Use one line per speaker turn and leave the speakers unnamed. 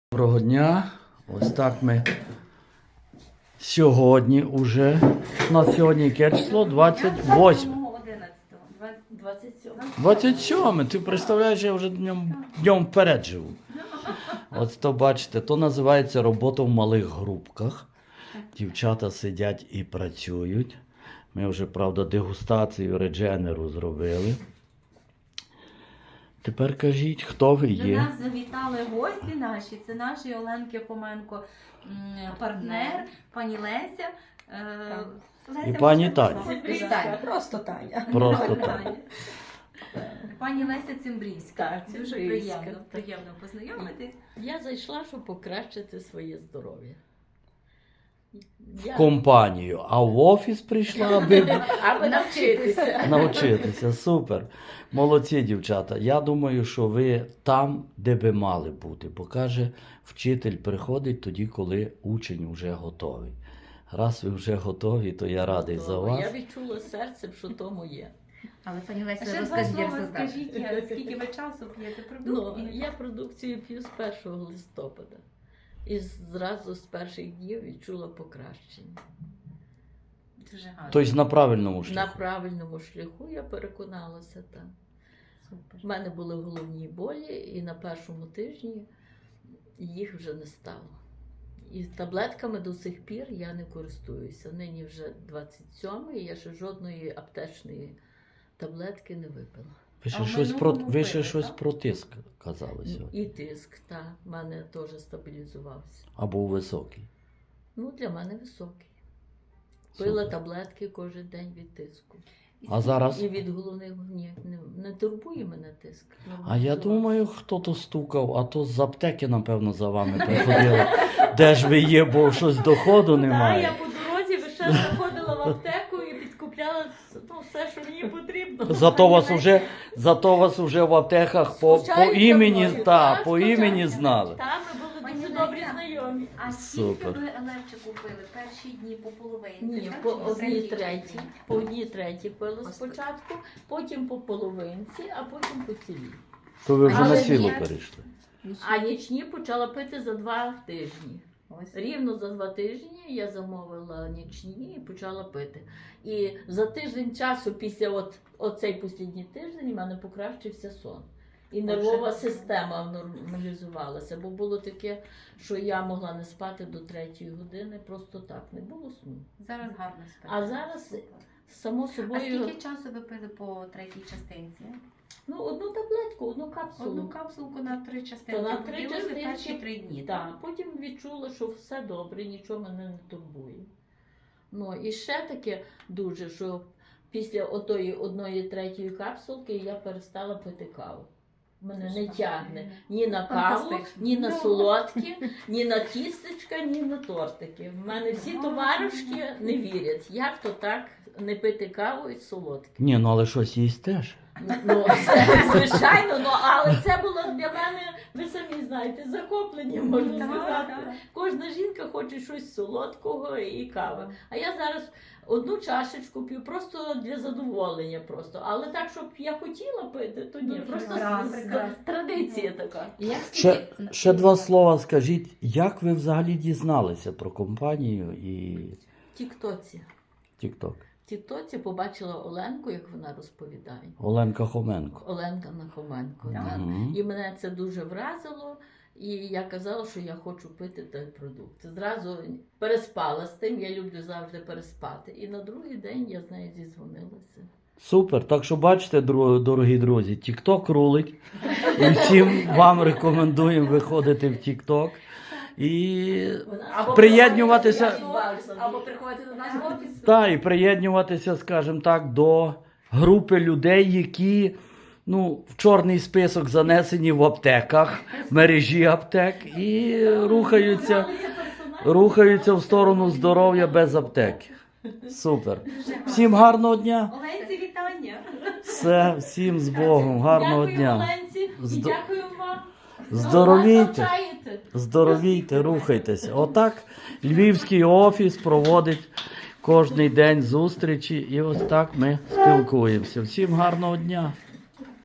Доброго дня. Ось так ми сьогодні уже, на сьогодні яке число? 28. 27. Ти представляєш, я вже днем вперед живу. Ось то бачите, то називається робота в малих групках. Дівчата сидять і працюють. Ми вже, правда, дегустацію редженеру зробили. Тепер кажіть, хто ви є?
До нас завітали гості наші. Це наші Оленки Хоменко партнер, пані Леся.
І пані Таня.
Просто Таня.
Просто Таня.
Пані Леся Цимбрійська. Це дуже
Цимбрійська.
приємно познайомитись.
Я зайшла, щоб покращити своє здоров'я.
В компанію, а в офіс прийшла,
Аби навчитися.
навчитися. Супер. Молодці, дівчата. Я думаю, що ви там, де би мали бути. Бо каже, вчитель приходить тоді, коли учень вже готовий. Раз ви вже готові, то я радий за вас.
Я відчула серцем, що то моє.
Але пані Леся,
Ще
розкажіть,
два слова
скажіть, скільки ви часу п'єте
Ну,
продуктів?
я продукцію п'ю з 1 листопада. І зразу з перших днів відчула покращення.
Дуже гарно.
Тобто на правильному
На
шляху.
правильному шляху я переконалася там.
Супер.
У мене були головні болі, і на першому тижні їх вже не стало. І таблетками до сих пір я не користуюся. Нині вже 27-й, я ще жодної аптечної таблетки не випила.
Ви ще
А в
щось
минулому
ви ще
пили,
щось
так?
про тиск казали сьогодні.
І тиск, так, в мене теж стабілізувався.
Або високий.
Ну, для мене високий.
Супер.
Пила таблетки кожен день від тиску.
А зараз?
І від головних не турбує мене тиск.
А я
Нормалізувався.
думаю, хто то стукав, а то з аптеки, напевно, за вами приходили. Де ж ви є, бо щось доходу
Так, я
немає.
по дорозі весь заходила в аптеку і підкупляла все, що мені потрібно.
Зато вас уже в аптеках по
Скучають за
імені,
мною,
та,
так,
по
скучають.
імені знали.
Там ми були
Пані
дуже
Леся,
добрі знайомі.
А скільки
Супер.
ви Елевчику пили? Перші дні по половинці?
Ні,
так?
по
Чи
одній
третій
третій.
частині?
По одній третій пила
Ось
спочатку, потім по половинці, а потім по цілій.
То ви вже
Але
на сіло
ні.
перейшли.
А нічні почала пити за 2 тижні.
Ось.
Рівно за 2 тижні я замовила нічні і почала пити. І за тиждень часу, після оцей останній тиждень, в мене покращився сон. І нервова система нормалізувалася, бо було таке, що я могла не спати до 3-ї години, просто так, не було сну.
Зараз гарно спите.
А зараз,
Супер.
само
А
собою,
скільки часу ви пили по третій частинці?
одну таблетку, одну капсулу.
Одну капсулку на 3 частинки.
То на 3
поділили
частинки.
перші 3 дні.
Так, потім відчула, що все добре, нічого мене не турбує. Ну, і ще таке дуже, що після отої 1/3 капсулки я перестала пити каву. Мене не тягне ні на каву,
Фантастично.
ні на солодкі, ні на тістечка, ні на тортики. В мене всі товаришки не вірять, як то так не пити каву і солодкі.
Ні, ну але щось їсть теж.
Ну, звичайно, але це було для мене, ви самі знаєте, захоплення, можна
Так,
сказати.
так.
Кожна жінка хоче щось солодкого і кави. А я зараз одну чашечку п'ю просто для задоволення просто. Але так, щоб я хотіла пити, то ні.
Дуже
Просто
прекрасно.
традиція така.
Ще 2 слова скажіть, як ви взагалі дізналися про компанію і
Тіктоці.
TikTok?
Тіктоці побачила Оленку, як вона розповідає.
Оленка Хоменко.
Оленка Нахоменко.
Так.
Так.
Мгм.
І мене це дуже вразило. І я казала, що я хочу пити той продукт. Зразу переспала з тим, я люблю завжди переспати. І на другий день я з нею зізвонилася.
Супер. Так що бачите, дорогі друзі, TikTok рулить. І всім вам рекомендуємо виходити в TikTok. І приєднюватися,
Або приходити до нас в офіс.
і приєднюватися, скажімо так, до групи людей, які в чорний список занесені в аптеках, мережі аптек і рухаються в сторону здоров'я без аптеки. Супер. Всім гарного дня.
Оленці, вітання.
Все, всім з Богом. Гарного
Дякую,
дня.
Оленці, і
Здо-
дякую вам.
Здоровійте.
Навчаєте.
Здоровійте, рухайтеся. Отак Львівський офіс проводить кожний день зустрічі і ось так ми спілкуємося. Всім гарного дня.